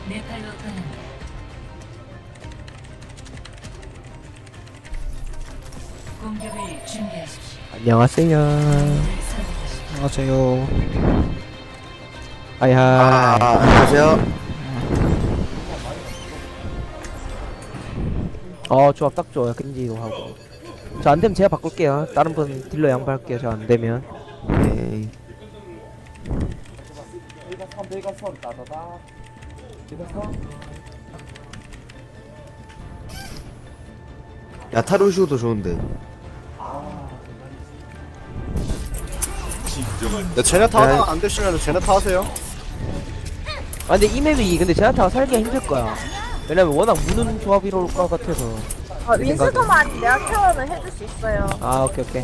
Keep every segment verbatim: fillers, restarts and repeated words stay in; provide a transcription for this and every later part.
네팔로 떠난다. 공격을 준비하십시오. 안녕하세요. 안녕하세요. 하이하이. 아, 안녕하세요. 어 조합 딱 좋아요. 겐지도 하고. 저 안되면 제가 바꿀게요. 다른 분 딜러 양보할게요. 저 안되면. 오케이. 야타루슈도 좋은데. 야, 제네타 야, 하나 안 되시면 제네타 하세요. 아 근데 이 맵이 근데 제나타가 살기가 힘들 거야. 왜냐면 워낙 무는 조합이 올 것 같아서. 아, 윈스도만 내가 케어는 해줄 수 있어요. 아 오케이 오케이.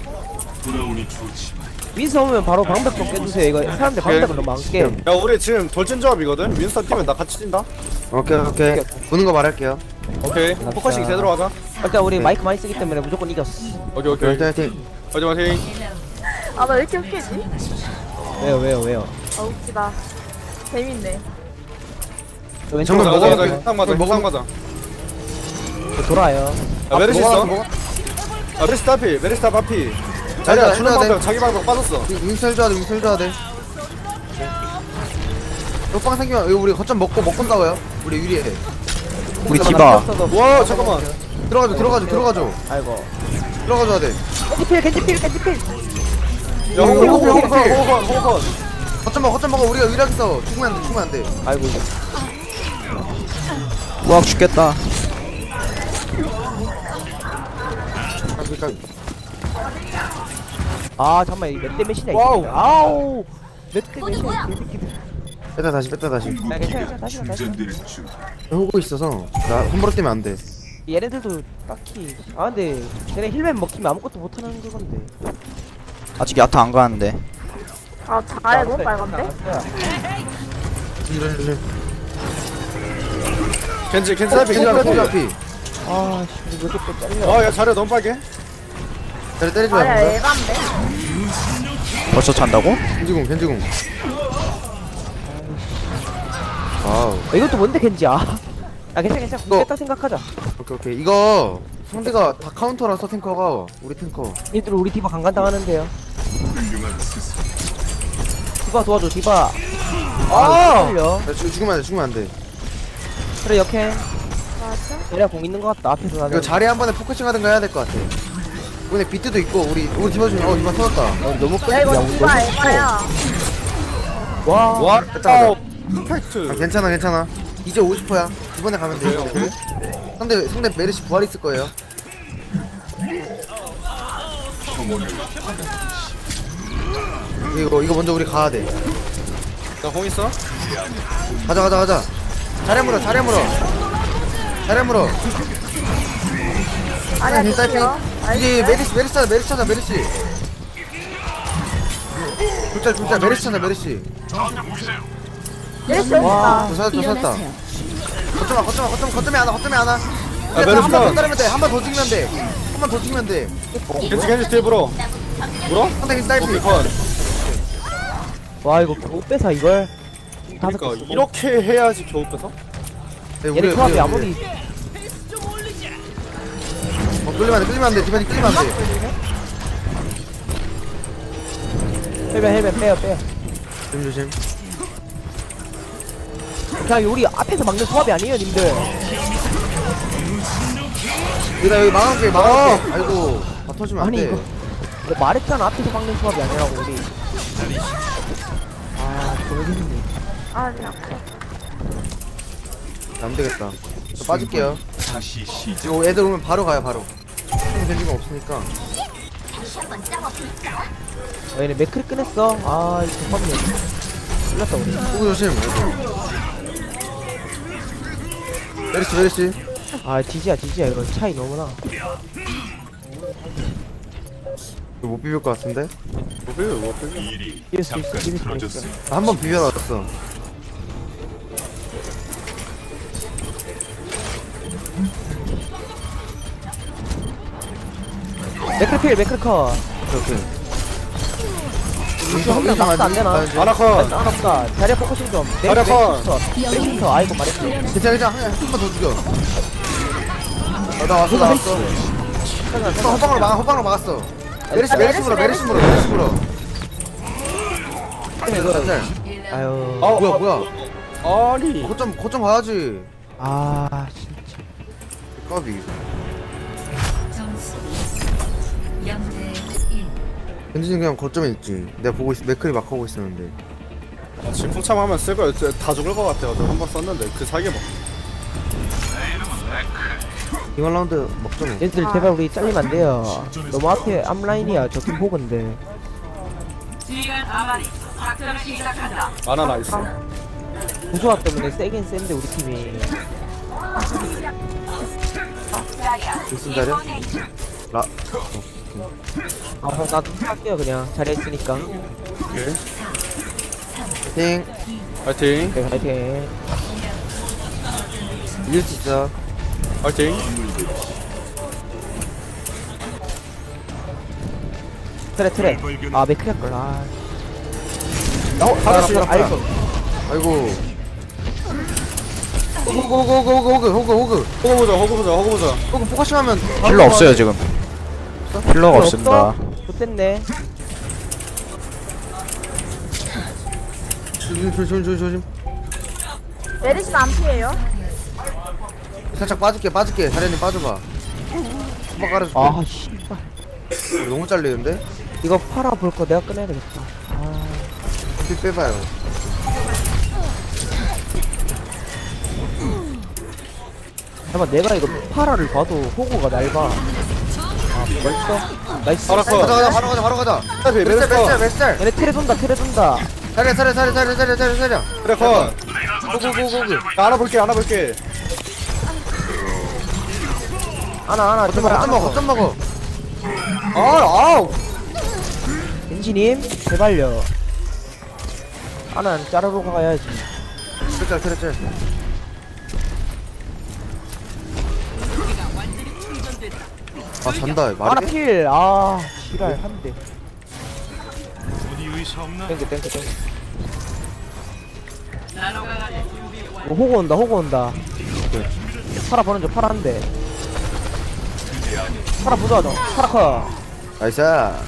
윈스 오면 바로 방벽 좀 깨주세요. 이거 사람들 방벽을 너무 안 깨. 야, 우리 지금 돌진 조합이거든. 윈스턴 뛰면 나 같이 뛴다. 오케이, 오케이. 보는 거 말할게요. 오케이. 맞다. 포커싱 제대로 하자. 일단 우리 네. 마이크 많이 쓰기 때문에 무조건 이겼어. 오케이, 오케이. 화이팅, 화이팅. 화이팅, 화이팅. 아, 나 왜 이렇게 웃기지? 왜요 왜요 왜요? 아, 웃기다. 재밌네. 저 왼쪽으로 정말 가자, 먹어야 가자, 돼. 가자. 상 맞아, 먹어. 상 맞아. 저 돌아요. 야, 메르시 있어? 먹어. 아, 메르시 따피, 메르시 따 파피. 자리야, 자리야, 주는 해줘야 돼. 방법, 자기 방법 빠졌어. 윙셀 줘야 돼, 윙셀 줘야 돼. 옆방 생기면, 이거 우리 거점 먹고, 먹고 싸워요. 우리 유리해. 우리 디바. 와, 잠깐만. 들어가줘, 들어가줘, 들어가줘. 아이고. 들어가줘야 돼. 캔디필 캔디필 캔디필. 야, 호흡, 호흡, 호흡, 호흡, 호흡. 호흡, 호흡. 거점 먹어, 거점 먹어. 우리가 유리하게 싸워. 죽으면 안 돼, 죽으면 안 돼. 아이고 이거. 우와, 죽겠다. 그러니까 아 잠깐만 이몇대 몇이냐 와우. 이거. 아우. 몇대 몇이야 개새끼들. 뺐다 다시, 뺐다 다시. 야 괜찮아 괜찮아 다시 가, 다시 가. 호구 있어서 나 홈브로 뛰면 안 돼. 얘네들도 딱히 아 근데 쟤네 힐맨 먹히면 아무것도 못하는 그건데. 아직 야타 안 가는데. 아, 자에 너무 빨간데? 이런 이런. 겐지, 겐지 따피, 겐지 겐지 따피. 앞이. 아씨 왜 이렇게 또 잘려. 아, 야, 자리야 너무 빨개. 자리 때려줘야 아야, 된다. 에반데? 벌써 찬다고? 겐지궁, 겐지궁. 와우. 어, 이것도 뭔데 겐지야. 아 괜찮아 괜찮아 너- 깼다 생각하자. 오케이 오케이. 이거 상대가 다 카운터라서 탱커가 우리 탱커. 얘들 우리 디바 강간 당하는데요. 디바 도와줘 디바. 아 걸려. 야, 죽, 죽으면 안 돼, 죽으면 안 돼. 그래 역행. 맞아? 얘네가 공 있는 것 같다 앞에서 나는. 이거 자리 한 번에 포커싱 하든가 해야 될 것 같아. 이번에 비트도 있고 우리 우리 디바 중에 어 디바 터졌다. 어, 너무 야, 끌리야 이거 우리 디바 너무 에바야. 커. 와. 와, 됐다, 어, 퍼펙트. 아, 괜찮아 괜찮아. 이제 오십 퍼야. 이번에 가면 돼. 그래? 상대 상대 메르시 부활 있을 거예요. 이거 이거 먼저 우리 가야 돼. 나공 있어? 가자 가자 가자. 자리 물어 자리 물어. 자리 물어. 아니야, 힐 딸피. 좋지요. 이제 메르시 메르시 찾아 메르시 찾아 메르시. 둘짤 둘짤 메르시 찾아 메르시. 예시 어딨다. 저 찾았다 저 찾았다. 거점아 거점아 거점 거점에 하나 거점에 하나. 아, 메르시 한번 더 컷. 따르면 돼. 한 번 더 죽이면 돼. 한 번 더 죽이면 돼. 겐지, 겐지 뒤에 불어. 불어? 상대 힐 딸피. 오케이, 컷. 와 이거 겨우 빼서 이걸. 다섯 그러니까 개 쓰고. 이렇게 해야지 겨우 빼서? 네, 얘네 조합이 아무리 어, 끌리면 안 돼, 끌리면 안 돼, 디바니 끌리면 안 돼. 헬벤 헬벤 빼요 빼요. 조심 조심. 그냥 우리 앞에서 막는 조합이 아니에요 님들. 얘들아 여기 막아놓게 막아놓게. 아이고, 다 터지면 안 아니 돼. 이거 내가 말했잖아 앞에서 막는 조합이 아니라고 우리. 아 모르겠네. 아, 그냥. 안 되겠다. 저 빠질게요. 이거 애들 오면 바로 가요, 바로. 좀 겐지가 없으니까. 어, 얘네 맥크리 꺼냈어. 아 이거 대박이네. 끝났다 우리. 호구 조심. 아이고. 메르시 메르시. 아 디지야 디지야 이거 차이 너무나. 이거 못 비빌 것 같은데? 뭐 비벼, 뭐 비벼. 이길 수 있어 이길 수 있어. 한 번 비벼놨어. 맥크리 필 맥크리 컷. 오케이 오케이. 루시 한명 낙사 안 되나? 아나콘 안 없다. 자리야 포커싱 좀. 자리야 컷. 메리부터 아이고 말했어. 괜찮아 괜찮아 한 번만 더 죽여 어, 나 왔어 나 왔어 어, 호빵으로 막아 호빵으로 막았어 메르시 메르시 물어 메르시 물어 메르시 물어 짤. 아유. 아 뭐야 뭐야 아니 거점 거점 가야지 아 진짜. 까비 점수 영 대 일. 현진이 그냥 거점에 있지 내가 보고 있 맥클이 막 하고 있었는데 아, 지금 풍참하면 쓸 거야 진짜 다 죽을 것 같아요 저 한 번 썼는데 그 사이에 뭐 이번 라운드 먹자 뭐 얘들 제발 우리 잘리면 안 돼요. 너무 앞에 앞라인이야. 저팀 호근데. 아나 나이스 구조화 때문에 세긴 센데 우리 팀이. 무슨 자리야? 라 아, 나도 할게요 그냥. 자리에 있으니까. 오케이 팅 파이팅 네, 화이팅. 이길 수 있어 파이팅 트레 트레. 아 맥크 할걸. 아. 어? 하나씩 아, 아이고. 아이고 호그 호그 호그 호그 호그 호그 호그 호구 보자 호구 보자 호구 보자 호그 포커싱하면 힐러 없어요 지금. 힐러가 없습니다. 좋댔네. 조심 조심 조심 조심 메리시는 안 피해요? 살짝 빠질게 빠질게 자리님 빠져봐 한번 깔아줄게 아 씨발. 너무 잘리는데? 이거 팔아 볼 거 내가 꺼내야 되겠다. 아. 피 빼봐요 잠깐 내가 이거 파라를 봐도 호구가 날봐. 아 멋있어. 나이스. 알았어. 가자 가자 바로 가자 바로 가자 메르시 메르스 짤 컷 메르스 짤 얘네 테레 돈다 테레 돈다. 자리야 자리야 자리야 자리야 자리야 자리야 자리야 그래 컷 호그 호그 호그 안아볼게 안아볼게 하나 하나 거점 제발 먹어 거점 하나 먹어 아 아우 엔지님 제발요. 하나는 자르러 가야지. 그래 그래 그래 아 잔다 하나 말이 돼? 필. 아 지랄 한 대. 땡겨 땡겨 땡겨. 어, 호구 온다 호구 온다. 파라 보는 중 파라 한 대. 파라 부자하다. 파라 커. 나이스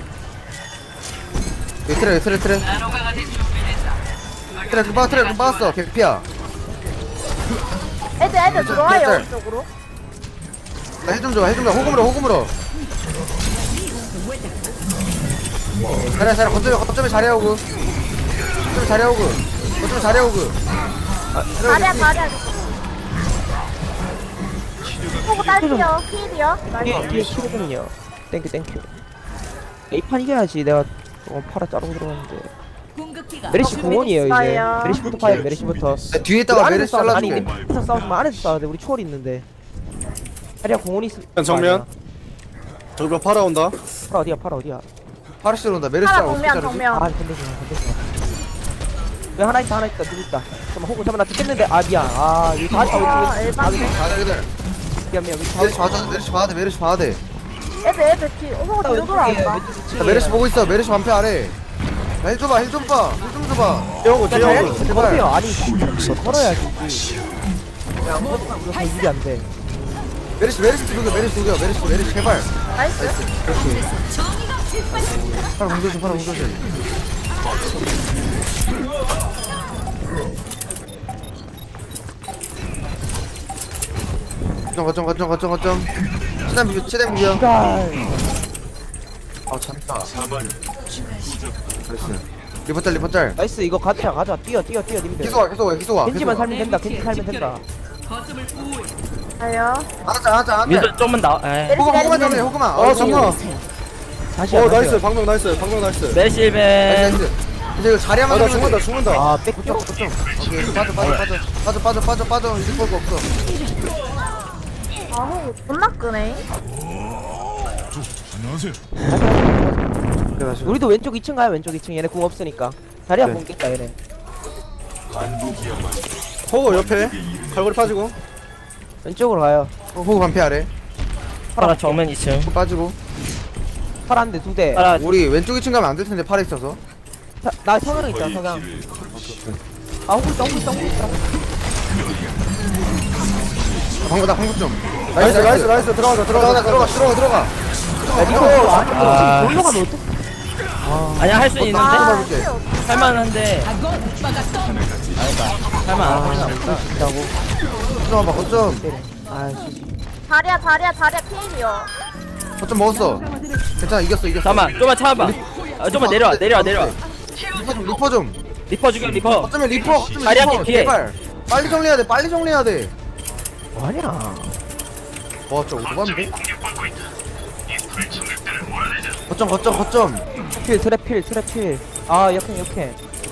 여기 트레 여기 트레 트레 트레 금 빠졌어 트레 금 빠졌어 개피야 애들 애들 들어와요 짤. 이쪽으로. 나 힐 좀 줘 힐 좀 줘 호금으로 호금으로 자리야 자리야 거점에 거점에 자리야 오고 거점에 자리야 오고 거점에 자리야 오고 아, 다리야 다리야. 호구 딸피요. 피일이요. 뒤에 나이스. 뒤에 키로군요. 땡큐 땡큐. 이 판 이겨야지. 내가 어, 파라 자르고 들어갔는데. 메리시 공원이에요 이제. 있어요. 메리시부터 파야 돼 메리시부터. 야, 뒤에 있다가 우리 메르시 안에서 싸우자. 아니 잘라줄게 안에서 싸우지 마. 안에서 싸워야 돼. 우리 초월 있는데. 자리야 공원이 있어. 정면. 저기로 팔아온다 파라 어디야 파라 어디야. 파르시로 온다 메르시 하나 짤 어떻게 정면 자르지? 정면. 아 건들지 마 건들지 마. 왜 하나 있다 하나 있다 누구 있다. 잠깐만 호구 잠깐만 나 죽겠는데. 아 미안. 아 이거 다 아 있다. 일반. 가자 기다려 미안 미안. 우리 다 메르시 봐줘 메르시 봐야 돼 메르시 봐야 돼 애들 애들 뒤. 호구 뒤로 돌아온다. 자, 메르시 보고 있어 메르시 반패 아래 야, 힐 줘봐 힐 좀봐 힐 좀 줘봐 뛰어오고 뛰어오고 자리야 걸어요. 아니 걸어야지. 야 아무것도 우리가 다 일이 안 돼. 메르시 메르시 죽여 메르시 죽여 메르시 메르시 제발 나이스. 파라 공조심 파라 공조심 거점 거점 거점 거점 거점 치단 비벼 치단 비벼 시갈. 아 잔다 나이스 리퍼짤 리퍼짤 나이스 이거 가자 가자 뛰어 뛰어 뛰어 님들. 계속 와 계속 와 계속 와 계속 겐지만 와 살면 된다. 겐지 살면 된다. 가요. 하자 하자 하자 민서 좀만 나. 에. 호그 메리시 호그만 메리시. 잡네 호그만 어 잠깐 다시 어 안 나이스 하세요. 방금 나이스 방금 나이스 나이스 메시벤. 나이스 이제 이거 자리 한번 아나 죽는다 죽는다 아 백. 거점 거점 오케이 빠져 빠져 빠져 빠져 빠져 빠져 빠져 이제 볼거 없어 아 호구 존나 끄네. 그래 다시 우리도 왼쪽 이 층 가요 왼쪽 이 층. 얘네 궁 없으니까. 자리야 네. 궁 깼다 얘네. 호구 옆에 갈고리 빠지고 왼쪽으로 가요. 어, 호그 반패 아래 파라 정면 이 층. 호그 빠지고 파란데 두 대. 파라 우리 왼쪽 이 층 가면 안 될 텐데 팔에 있어서 자, 나 성향 있다 성향. 아 호구 있다 호구 있다 호구 있다. 방금 나 방금 좀. 나이스 나이스 나이스 들어가자 들어가 들어가자 들어가 들어가 들어가. 야 니코 아. 놀러 가면 어떡? 아니야 할 수 있는데 아, 해볼게. 필요 없어. 할만한데 할만 안 하나 보다. 라고. 거점 봐 거점. 아 씨. 다리야 다리야 다리야 피임이요. 거점 먹었어. 괜찮아 이겼어 이겼어. 잠깐만 좀만 참아봐. 아, 좀만 내려와 내려와 내려와. 리퍼 좀 리퍼 좀. 리퍼 죽여 리퍼. 거점에 리퍼 거점에 다리 리퍼. 한개 뒤에. 제발. 빨리 정리해야 돼 빨리 정리해야 돼. 뭐하냐? 와 진짜 오반데? 거점 거점 거점. 필 트랩 필 트랩 필. 아 역행 역행.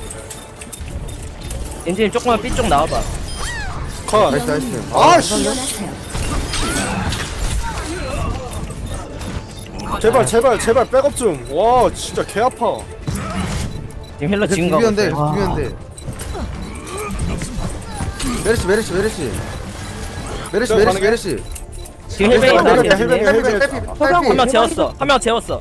엔진님 조금만 삐쪽 나와봐. 컷 나이스 나이스. 아씨 제발 제발 제발 백업 좀와 진짜 개 아파 지금 힐러 지금 가고 비비는데 있어요. 비비는데. 메르시 메르시 메르시. 메르시 저 메르시 가능해? 메르시. 지금 힐백이 헬멧, 나한테 헬멧, 엔진님. 헬멧. 헬멧 서장 한 명 재웠어. 한 명 재웠어.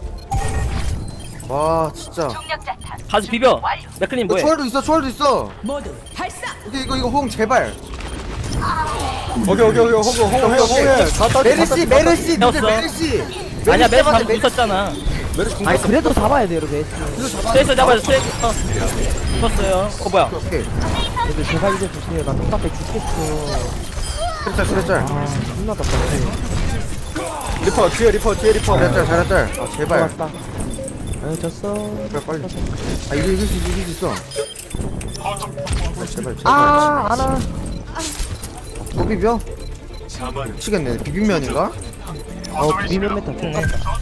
와 진짜. 가서 비벼. 맥클린 뭐해? 초월도 있어 초월도 있어. 이거 이거 이거 호응 제발. 오케이 오케이 오케이 호구 호구 해 호구 해다 딸 메르시 메르시 니들 태웠어. 메르시. 아니야 메스 잡았네, 방금 붙었잖아. 메르시 아니 공격 그래도 잡아야 돼 이렇게. 스트레스 잡아줘 스트레스. 어. 붙었어요. 어 뭐야? 오케이. 근데 제발 이제 주세요. 나 똑같이 죽겠어. 그랬짤 그랬짤. 아 존나 답답해. 리퍼 뒤에 리퍼 뒤에 리퍼 잘했짤 잘했짤. 아 제발. 맞다. 아유 졌어. 제발 빨리. 아 이거 이길 수 있어 이길 수 있어. 아, 제발 제발. 아 안아. 또 비벼? 미치겠네. 비빔면인가? 어 비빔면 메타 똑같다.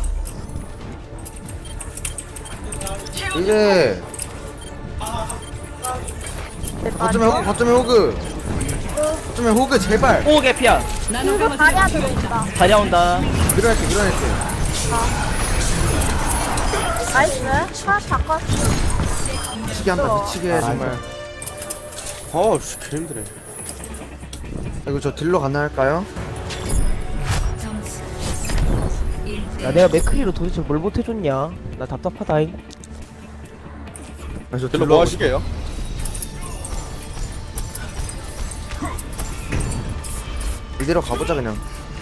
이제 거점에 호그 거점에 호그 거점에 호그 제발. 오 개피야. 이거 다리야 들어온다. 다리야 온다. 밀어낼게 밀어낼게. 나이스. 파 바꿨어. 미치게 한다 미치게 해, 정말. 어우씨 개 힘드네 이거 저 딜러 가능할까요? 점수 일 야 내가 맥크리로 도대체 뭘 못해줬냐? 나 답답하다잉. 아, 저 딜러 뭐 하시게요? 이대로 가보자 그냥.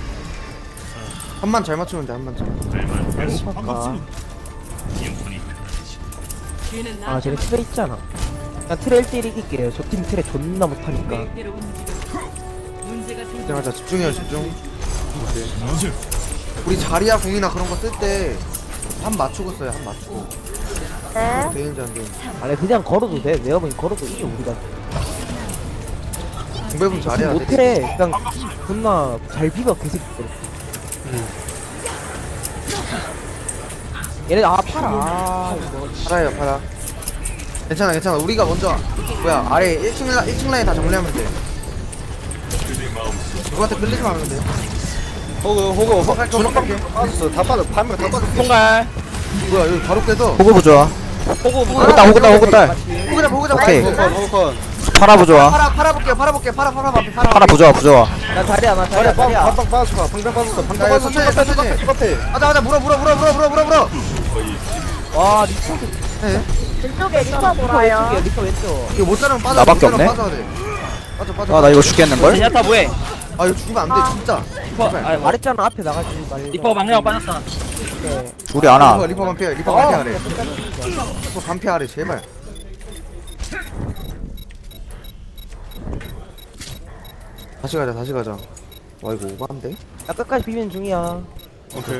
한만 잘 맞추면 돼 한만 잘. 아까. 아 쟤네 트레 있잖아. 난 트레 일 대 일 이길게요. 저 팀 트레 존나 못하니까. 집중하자 집중해요 집중. 우리 자리야 공이나 그런 거 쓸 때 한 맞추고 써요 한 맞추고. 네. 되는지 안 되는지. 아니 그냥 걸어도 돼. 내가 보기 걸어도 이겨 우리가. 공배분 잘해야 돼. 못해. 그냥 존나 잘 비벼 개새끼들. 얘네 아 팔아. 아, 이거. 팔아요 팔아. 괜찮아 괜찮아 우리가 먼저 뭐야 아래 일 층 라, 일 층 라인 다 정리하면 돼. 누구한테 끌리지 말면 돼. 호구 호구 호구 갈게, 주먹 갈게. 빠졌어 다 빠졌어 반면 다 빠졌어 통갈. 뭐야 여기 바로 깨서. 호구 부좋아. 호구 호구 딸 호구 딸 호구 딸. 호그자 호그자 오케이. 나이스. 호구 호구 파라 부좋아. 팔아 팔아 볼게요 팔아 볼게요 팔아 팔아 앞에 팔아. 파라 부좋아 부좋아. 나 다리야 나 다리야 자리야 다리야. 반방 빠졌어 방방 빠졌어 방방 야, 빠졌어 천천히, 똑같아 천천히. 똑같아 똑같아 가자 가자 물어 물어 물어 물어 물어 물어 물어. 와 리퍼 네. 왼쪽에 리퍼 리퍼 돌아요. 왼쪽이야 리퍼 왼쪽. 이거 못 자르면 빠져. 나밖에 못 자르면 없네. 빠져야 돼. 빠져 빠져. 아 나 이거 죽겠는걸? 제냐타 뭐해? 아 이거 죽으면 안 돼 진짜. 리퍼. 아 뭐. 말했잖아 앞에 나가지 말고. 리퍼 방향 빠졌어. 네. 둘이 안 리퍼 와. 리퍼 반피 리퍼 어, 반피 아래. 리퍼 반피 아래 제발. 다시 가자 다시 가자. 와 이거 오반데? 나 끝까지 비비는 중이야. 오케이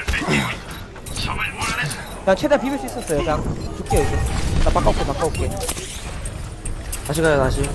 난 최대한 비빌 수 있었어요. 그냥 줄게요 이제. 나 바꿔올게 바꿔올게. 다시 가자 다시.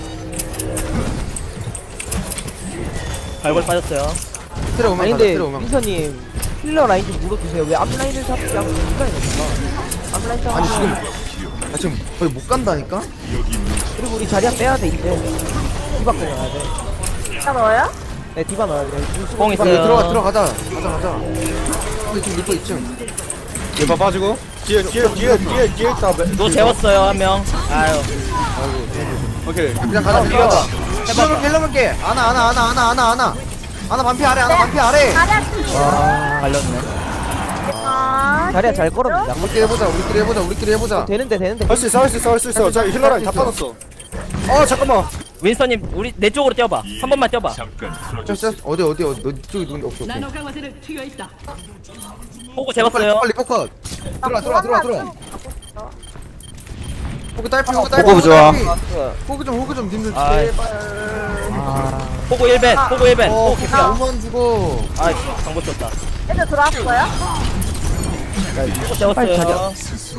발골 빠졌어요. 트레 오면 아니 가자 근데 트레 오면. 민서님 힐러 라인 좀 물어주세요. 왜 앞라인을 잡지 않고 뒷라인 없어? 앞라인 잡아. 아니 지금 아 지금 거의 못 간다니까? 그리고 우리 자리야 빼야 돼 이제. 디바 꺼내야 돼. 진짜 넣어요? 네 디바 넣어야 돼. 뽕 빨리 있어요. 들어가 들어가자 가자 가자. 근데 지금 리퍼 이 층. 리퍼 빠지고 뒤에 뒤에 뒤에 뒤에 뒤에 있다 너 재웠어요 한 명. 아유. 오케이 그냥 가자 그냥 가자. 힐러볼게 힐러볼게. 아나 아나 아나 아나 아나 아나. 아나 반피 아래 아나 반피 아래. 다리야 피. 아 갈렸네. 아. 자리야 잘 걸었는데. 우리끼리 해보자 우리끼리 해보자 우리끼리 해보자. 되는데 되는데. 할 수 있어 할 수 있어 할 수 있어. 자 힐러라인 다 빠졌어. 어 잠깐만. 윈스턴님 우리 내 쪽으로 뛰어봐. 한 번만 뛰어봐. 저, 저, 어디 어디 어디 너 쪽에 누군데 없어 없어. 호구 재웠어요. 빨리 포컷. 들어와 들어와 들어와 들어와. 포크 딸피 포크 딸피. 호구 부좋아. 포크 좀 호크 좀 님들 아이. 제발. 호구 일 벤. 호구 일 벤. 어 호구 개피야. 너무만 죽어. 아 정보 쳤다. 애들 들어왔어요? 호구 재웠어요.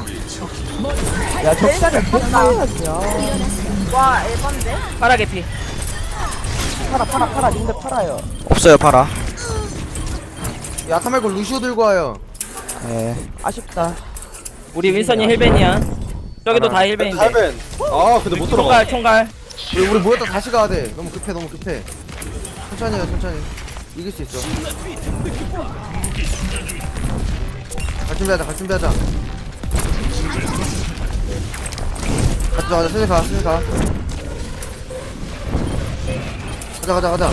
야 적당히 폭파해야지. 야. 와 에반데? 파라 개피. 팔아 팔아 팔아 님들 팔아요. 없어요 팔아. 야타 말고 루시오 들고 와요. 예. 아쉽다. 우리 윈스턴이 힐벤이야. 저기도 다 힐벤인데. 할벤. 아 근데 못 들어가. 총갈 총갈. 우리 우리 모였다 다시 가야 돼. 너무 급해 너무 급해. 천천히 해 천천히. 이길 수 있어. 갈 준비하자 갈 준비하자. 가자 가자 슬슬 가 슬슬 가. 가자 가자 가자.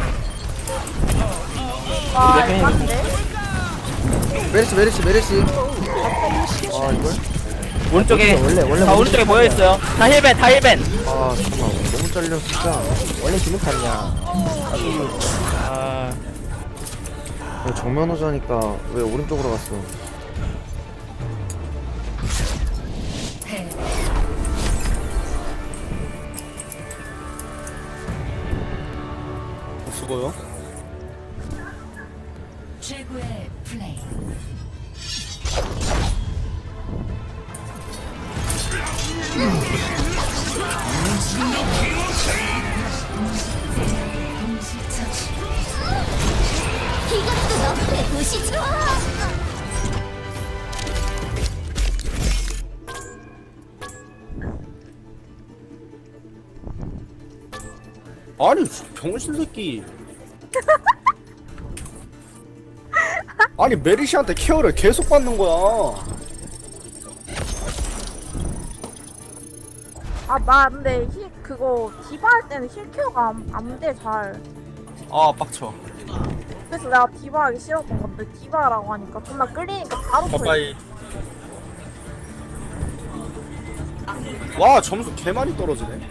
와 에반데? 메리시 메리시 메리시. 아 이걸? 오른쪽에 원래- 원래 다 오른쪽에 모여 있어요. 다 힐벤 다 힐벤. 아 잠깐만 너무 잘려 진짜. 원래 지목탔냐. 아 야, 정면 호자니까 왜 오른쪽으로 갔어? 패. 수고요. 최고의 플레이. 아니 병신 새끼. 아니 메리시한테 케어를 계속 받는 거야. 아 나 근데 힐 그거 디바 할 때는 힐 케어가 안돼 잘. 아 빡쳐. 그래서 내가 디바 하기 싫었던 건데 디바라고 하니까 존나 끌리니까 바로 빠빠이. 와 점수 개 많이 떨어지네.